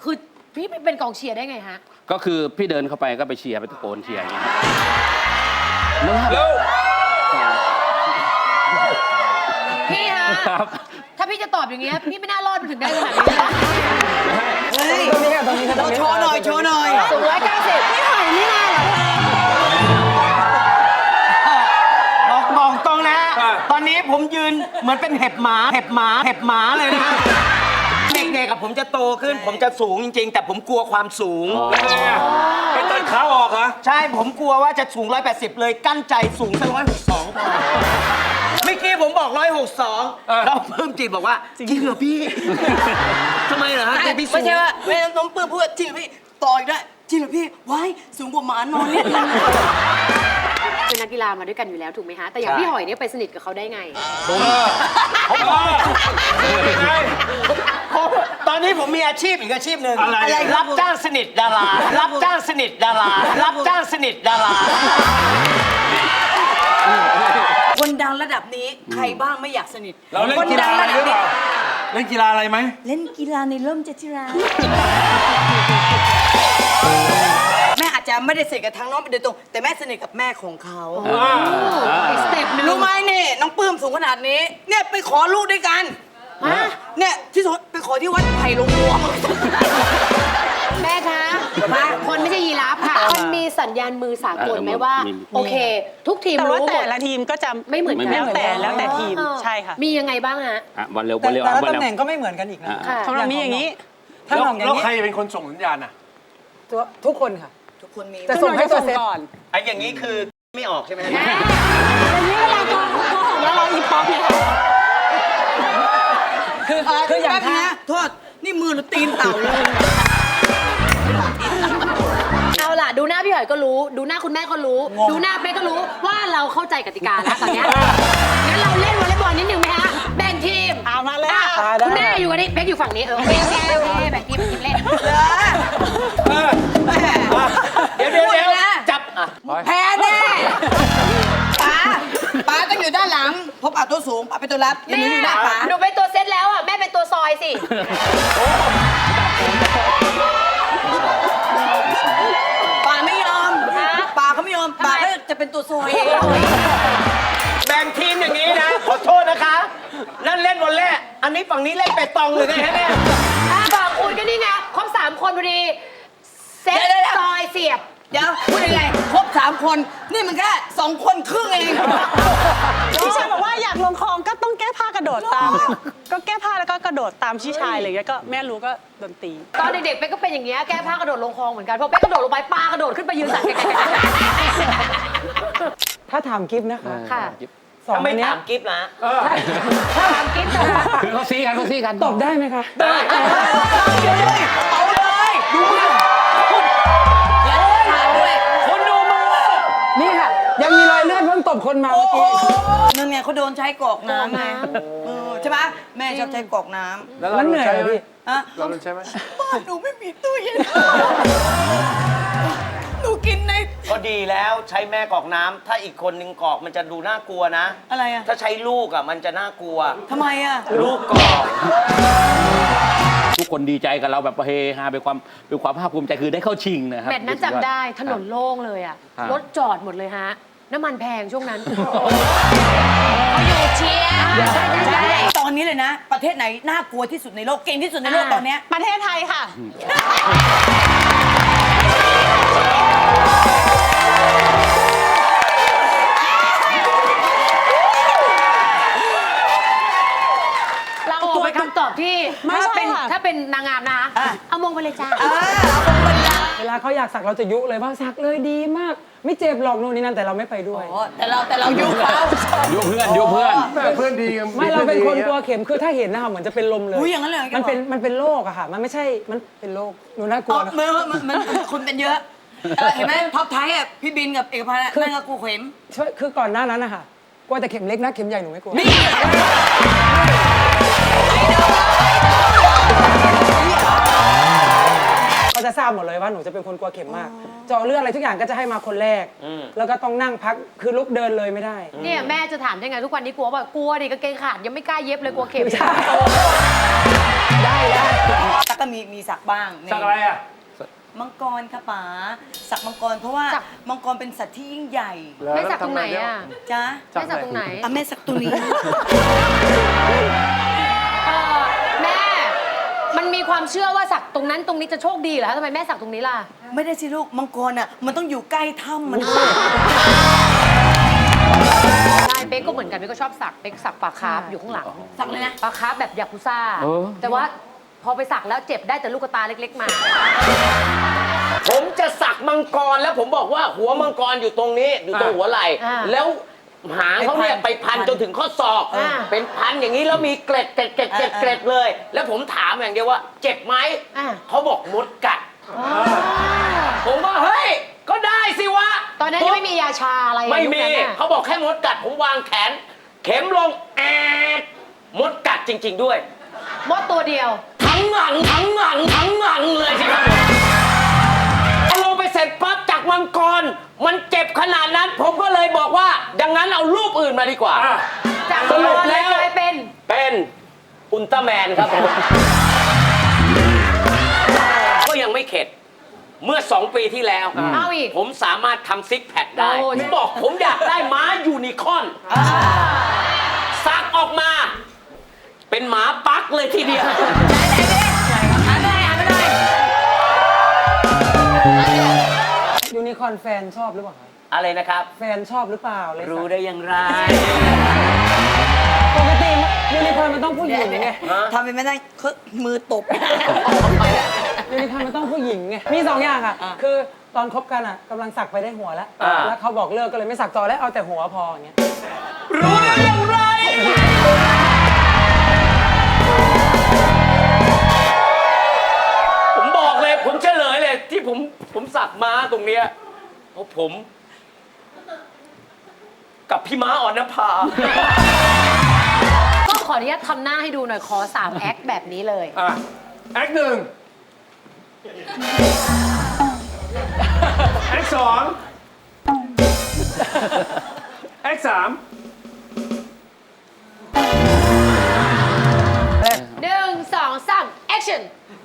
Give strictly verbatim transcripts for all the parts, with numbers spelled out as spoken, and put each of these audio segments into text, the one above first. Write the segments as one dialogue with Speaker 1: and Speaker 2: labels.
Speaker 1: คือพี่เป็นกองเชียร์ได้ไงฮะ
Speaker 2: ก็คือพี่เดินเข้าไปก็ไปเชียร์ไปตะโกนเชียร์อย่างเงี้ย
Speaker 1: พี่ฮะถ้าพี่จะตอบอย่างเงี้ยพี่ไม่น่ารอดมาถึงได้ขนาดนี้นะ
Speaker 3: เฮ้ยตรงนี้ตรงนี้โชว์หน่อยโชว์หน่อย
Speaker 1: สูงร้อยเก้าสิบพี่หอยนี่มาเหร
Speaker 3: อมองตรงนะตอนนี้ผมยืนเหมือนเป็นเห็บหมาเห็บหมาเห็บหมาเลยนะเด็กๆกับผมจะโตขึ้นผมจะสูงจริงๆแต่ผมกลัวความสูง
Speaker 4: เป็นต้นขาออกเหรอ
Speaker 3: ใช่ผมกลัวว่าจะสูงหนึ่งร้อยแปดสิบเลยกั้นใจสูงสักหนึ่งร้อยหกสิบสองพอเมื่อกี้ผมบอกหนึ่งร้อยหกสิบสองแล้วเพิ่มจีบบอกว่าจริงเหรอพี่ทำไมเหรอฮะพี่สูงไม่ใช่ว่าแม่น้องปื้มพูดจริงเหรอพี่ต่ออีกได้จริงเหรอพี่ว้ายสูงกว่าหมานอนนิดนึง
Speaker 1: เป็นนักกีฬามาด้วยกันอยู่แล้วถูกไหมฮะแต่อย่างพี่หอยเนี่ยไปสนิทกับเขาได้ไง
Speaker 3: ตอนนี้ผมมีอาชีพอีกอาชีพหนึ่งอะไรรับจ้างสนิทดารารับจ้างสนิทดารารับจ้างสนิทดารา
Speaker 5: คนดังระดับนี้ใครบ้างไม่อยากสนิท
Speaker 4: เราเล่นกีฬาอะไรหรือเปล่าเล่นกีฬาอะไรไหม
Speaker 5: เล่นกีฬาในร่มเจติราแม่อาจจะไม่ได้สนิทกับทางน้องเป็นโดยตรงแต่แม่สนิทกับแม่ของเขา
Speaker 1: สเต็ปนึง
Speaker 5: รู้ไหมนี่น้องปื้มสูงขนาดนี้เนี่ยไปขอลูกด้วยกันเนี่ยที่สุดไปขอที่วัดไผ่ลงวัว
Speaker 1: แม่คะคนไม่ใช่ยีราฟค่ะมันมีสัญญาณมือสากลไหมว่าโอเคทุกทีมรู้หมด
Speaker 6: แต่ละทีมก็จะ
Speaker 1: ไม่เหมือนกัน
Speaker 6: แล้วแต่แล้วแต่ทีมใช่ค่ะ
Speaker 1: มียังไงบ้างฮะ
Speaker 2: บอลเร็วบอลเร็ว
Speaker 3: แต่ละตำแหน่งก็ไม่เหมือนกันอีกนะ
Speaker 6: ของเรามีอย่างนี้
Speaker 4: ถ้าของอย่างนี้แล้วใครเป็นคนส่งสัญญาณอ่ะ
Speaker 3: ทุกคนค่ะ
Speaker 5: ทุกคนมี
Speaker 3: จะส่งให้ตัวเซต
Speaker 6: ก่อน
Speaker 3: ไอ้อย่างนี้คือไม่ออกใช่ไหม
Speaker 6: อย่างนี้เวลาโกหกแล้วเราอีป๊อปเนี่ย
Speaker 5: คือคืออย่างนี้โทษนี่มือหรือตีนเต่าเลย
Speaker 1: เอาล่ะดูหน้าพี่หอยก็รู้ดูหน้าคุณแม่ก็รู้ดูหน้าเป๊กก็รู้ว่าเราเข้าใจกติกาแล้วตอนนี้งั้นเราเล่นวอลเลย์บอลนิดนึงไหมฮะแบ่งทีม
Speaker 6: เอามาเลย
Speaker 1: คุณแม่อยู่กันนี่เป๊กอยู่ฝั่งนี้เออโอเคโอเคโอเคแบ่งทีมทีมเล่น
Speaker 3: เดี๋ยวเดี๋ยวเดี๋ยวจับ
Speaker 5: แพ้แน่ป๋าป๋าต้องอยู่ด้านหลังพบอาตัวสูงป๋าเป็นตัวรับ
Speaker 1: แม่หนูเป็นตัวเซตแล้วอ่ะแม่เป็นตัวซอยสิ
Speaker 5: ป๋าไม่ยอมป๋าเขาไม่ยอมป๋าก็จะเป็นตัวซอย
Speaker 3: แบ่งทีมอย่างนี้นะขอโทษนะคะนั่นเล่นวอลเลย์อันนี้ฝั่งนี้เล่นเปตองหรือไงฮะเนี่ย
Speaker 1: บอกคุณก็นี่ไงครบสามคนพอดีเซตซอยเสียบ
Speaker 5: เดี๋ยวพูดยังไงครบสามคนนี่มันแค่สองคนครึ่งเอง
Speaker 6: พี่ชายบอกว่าอยากลงคลองก็ต้องแก้ผ้ากระโดดตามก็แก้ผ้าแล้วก็กระโดดตามพี่ชายอะไรอย่างเงี้ยก็แม่รู้ก็ดนตรี
Speaker 1: ตอนเด็กๆเป๊กก็เป็นอย่างเงี้ยแก้ผ้ากระโดดลงคลองเหมือนกันพอเป๊กกระโดดลงไปปลากระโดดขึ้นไปยืนสั่น
Speaker 3: ถ้าถามกิฟต์นะคะ
Speaker 1: ค่ะ
Speaker 3: สองไม่ถามกิฟต์นะ
Speaker 1: ถ้าถามกิฟต์
Speaker 2: คือเขาซีกันเขาซีกัน
Speaker 3: ตอบได้ไหมคะ
Speaker 5: ได้เอาเลยดูมือ
Speaker 3: คุณดูมือนี่ค่ะยังมีรอยเลือดเพิ่งตบคนมาเมื่อกี้
Speaker 5: นั่นไงเขาโดนใช้กรอกน้ำไงใช่ไหมแม่ชอบใช้กรอกน้ำ
Speaker 3: แล้วเหนื่อยไหมพี่
Speaker 5: เราใช่ไหมบ้านหนูไม่มีตู้เย็นหนูกินใน
Speaker 3: ก็ดีแล้วใช้แม่กรอกน้ำถ้าอีกคนนึงกรอกมันจะดูน่ากลัวนะ
Speaker 5: อะไรอ่ะ
Speaker 3: ถ้าใช้ลูกอ่ะมันจะน่ากลัว
Speaker 5: ทำไมอ่ะ
Speaker 3: ลูกกรอก
Speaker 2: ทุกคนดีใจกับเราแบบเฮฮาเป็นความเป็นความภาคภูมิใจคือได้เข้าชิงนะครับ
Speaker 1: แมตช์นั้นจำได้ถนนโล่งเลยอ่ะรถจอดหมดเลยฮะน้ำมันแพงช่วงนั้นเขาอยู่เชียร์
Speaker 5: ใช่ตอนนี้เลยนะประเทศไหนน่ากลัวที่สุดในโลกเก่งที่สุดในโลกตอนนี้
Speaker 6: ประเทศไทยค่ะ
Speaker 1: เราโอ้เป็นคำตอบที่ถ้าเป็นถ้าเป็นนางงามนะเอามงไปเลยจ้า
Speaker 3: เวลาเขาอยากสักเราจะยุเลยว่าสักเลยดีมากไม่เจ็บหรอกนู่นนี่นั่นแต่เราไม่ไปด้วย
Speaker 5: แต่เราแต่เรายุเขา
Speaker 2: ยุเพื่อนยุเพื่อน
Speaker 4: เพื่อนดี
Speaker 3: ไม่เราเป็นคนกลัวเข็มคือถ้าเห็นนะคะเหมือนจะเป็นลมเลย
Speaker 5: อย่างนั้นเลย
Speaker 3: มันเป็นมันเป็นโรคอะค่ะมันไม่ใช่มันเป็นโรคหนูน่ากลัวนะ
Speaker 5: มันมันคนเป็นเยอะเห็นไหมท็อปไทยอ่ะพี่บินกับเอกพันธ์นั่นก็กลัวเข็ม
Speaker 3: คือก่อนหน้านั้นนะคะกลัวแต่เข็มเล็กนะเข็มใหญ่หนูไม่กลัวก็จะทราบหมดเลยว่าหนูจะเป็นคนกลัวเข็มมากเจาะเลือดอะไรทุกอย่างก็จะให้มาคนแรกแล้วก็ต้องนั่งพักคือลุกเดินเลยไม่ได้
Speaker 1: เนี่ยแม่จะถามได้ไงทุกวันนี้กลัวแบบกลัวดิกางเกงขาดยังไม่กล้าเย็บเลยกลัวเข็ม
Speaker 3: ได้ได้
Speaker 5: ตั๊กก็มีมีสักบ้างนี่
Speaker 4: สักอะไรอ่ะ
Speaker 5: มังกรค่ะป๋าสักมังกรเพราะว่ามังกรเป็นสัตว์ที่ยิ่งใหญ่
Speaker 1: แม่สักตรงไหนอ่ะ
Speaker 5: จ้า
Speaker 1: แม่สักตรงไหน
Speaker 5: อ่ะแม่สักตรงนี้
Speaker 1: เออแม่ มันมีความเชื่อว่าสักตรงนั้นตรงนี้จะโชคดีเหรอคะทำไมแม่สักตรงนี้ล่ะ
Speaker 5: ไม่ได้สิลูกมังกรอ่ะมันต้องอยู่ใกล้ถ้ำมัน
Speaker 1: ใช่เป๊กก็เหมือนกันเป๊กก็ชอบสักเป๊กสักปลาคาร์ฟอยู่ข้างหลัง
Speaker 5: สักเลยนะ
Speaker 1: ปลาคาร์ฟแบบยากุซ่า
Speaker 2: เออ
Speaker 1: แต่ว่าพอไปสักแล้วเจ็บได้แต่ลูกตาเล็กๆมา
Speaker 3: ผมจะสักมังกรแล้วผมบอกว่าหัวมังกรอยู่ตรงนี้อยู่ตรงหัวไหล่
Speaker 1: อ่า
Speaker 3: แล้วหางเขาเนี่ยไปพันจนถึงข้อศอก
Speaker 1: อ่า
Speaker 3: เป็นพันอย่างนี้แล้วมีเกล็ดเกล็ดเกล็ดเกล็ดเกล็ดเลย แล้วผมถามอย่างเดียวว่า เจ็บไหม
Speaker 1: อ่า
Speaker 3: เขาบอกมดกัด ผมว่าเฮ้ยก็ได้สิวะ
Speaker 1: ตอนนั้นยังไม่มียาชาอะไร
Speaker 3: ไม่
Speaker 1: ยุค
Speaker 3: มี
Speaker 1: นั้นน่ะ
Speaker 3: เขาบอกแค่มดกัดผมวางแขน เข็มลงแอดมดกัดจริง ๆด้วย
Speaker 1: มดตัวเดียว
Speaker 3: ทั้งหลังทั้งหลังทั้งหลังเลยสิครับเอาลงไปเสร็จปั๊บจากมังกร มันเจ็บขนาดนั้น ผมก็เลยบอกว่า ดังนั้นเอารูปอื่นมาดีกว่า
Speaker 1: จาก
Speaker 3: ส
Speaker 1: มัง
Speaker 3: รุ
Speaker 1: ก
Speaker 3: ป
Speaker 1: รเล
Speaker 3: แล้
Speaker 1: ยว กลายเป็น
Speaker 3: เป็นอุลตร้าแมนครับผม ก็ยังไม่เข็ด เมื่อสองปีที่แล้ว
Speaker 1: เอาอีก
Speaker 3: ผมสามารถทำซิกแพคได้
Speaker 1: โอ้ย
Speaker 3: ผมบอกผมอยากได้ม้ายูนิคอร์นสักออกมา เป็นหมาปักเลยทีเดียว
Speaker 7: ยูนิคอร์นแฟนชอบหรือเปล่าครับ
Speaker 3: อะไรนะครับ
Speaker 7: แฟนชอบหรือเปล่าเลย
Speaker 3: รู้ได้อย่างไร
Speaker 7: ปกติยูนิคอร์นมันต้องผู้หญิงไง
Speaker 5: ทำเป็นไม่ได้คือมือตบ
Speaker 7: ยูนิคอร์นมันต้องผู้หญิงไงมีสองอย่างอ่ะ คือตอนคบกันอ่ะกำลังสักไปได้หัวแล้ว
Speaker 3: อ่า
Speaker 7: แล้วเขาบอกเลิกก็เลยไม่สักต่อแล้วเอาแต่หัวพออย่างเงี้ย
Speaker 3: รู้ได้อย่างไร ผมบอกเลย ผมเฉลยเลย ที่ผมผมสักม้าตรงเนี้ยเพราะผม กับพี่ม้าอ่อนนภา
Speaker 1: ก็ขออนุญาตทำหน้าให้ดูหน่อยขอสามแอคแบบนี้เลย
Speaker 4: อ่ะ แอคหนึ่งแอคสองแอคสาม
Speaker 1: หนึ่งสองสาม action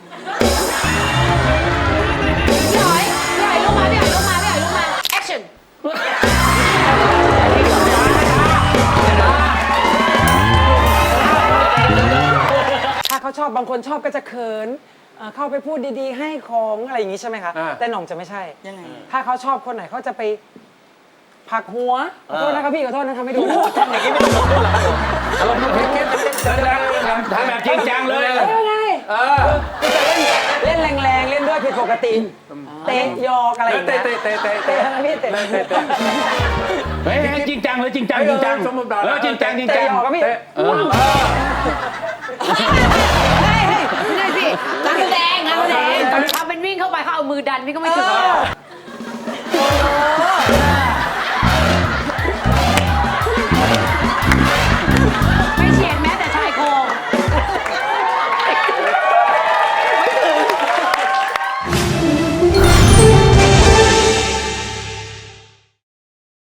Speaker 1: พี่หอยพี่หอยลงมาพี่หอยลงมาพี่หอยลงมา action
Speaker 7: ถ้าเขาชอบบางคนชอบก็จะเขินเอ่อเข้าไปพูดดีๆ ให้ของอะไรอย่างงี้ใช่ไหมคะ
Speaker 4: อ่า
Speaker 7: แต่หน่องจะไม่ใช่
Speaker 5: ยังไง
Speaker 7: ถ้าเขาชอบคนไหนเขาจะไปผลักหัวขอโทษนะครับพี่ขอโทษนะทำให้ดู
Speaker 3: ทำอย่างนี้ไม่ต้องพูดหรอกครับผม
Speaker 2: อารมณ์ทำแบบจริงจังเลย
Speaker 7: เอ้ยไงเออคือจะเล่นเล่นแรงๆ เล่นด้วยผิดปกติ เตะยอกอะไรอย่าง
Speaker 4: เตะ
Speaker 7: เงี้ย
Speaker 4: เตะเตะเตะ
Speaker 7: เตะ
Speaker 4: เตะ
Speaker 7: นะพี่เตะ
Speaker 4: เตะเตะ
Speaker 2: เฮ้ยจริงจังเลยจริงจังจริงจัง
Speaker 4: สมมุติแบบ
Speaker 2: เออจริงจังจริง
Speaker 7: เตะ
Speaker 2: จัง
Speaker 7: ยอกครับพี่
Speaker 4: เตะ
Speaker 2: เออ
Speaker 1: เฮ้ยเฮ้ยไม่ได้สิงานแสดงงานแสดงทำเป็นวิ่งเข้าไปเขาเอามือดันพี่ก็ไม่ถึงไปเฉียดแม้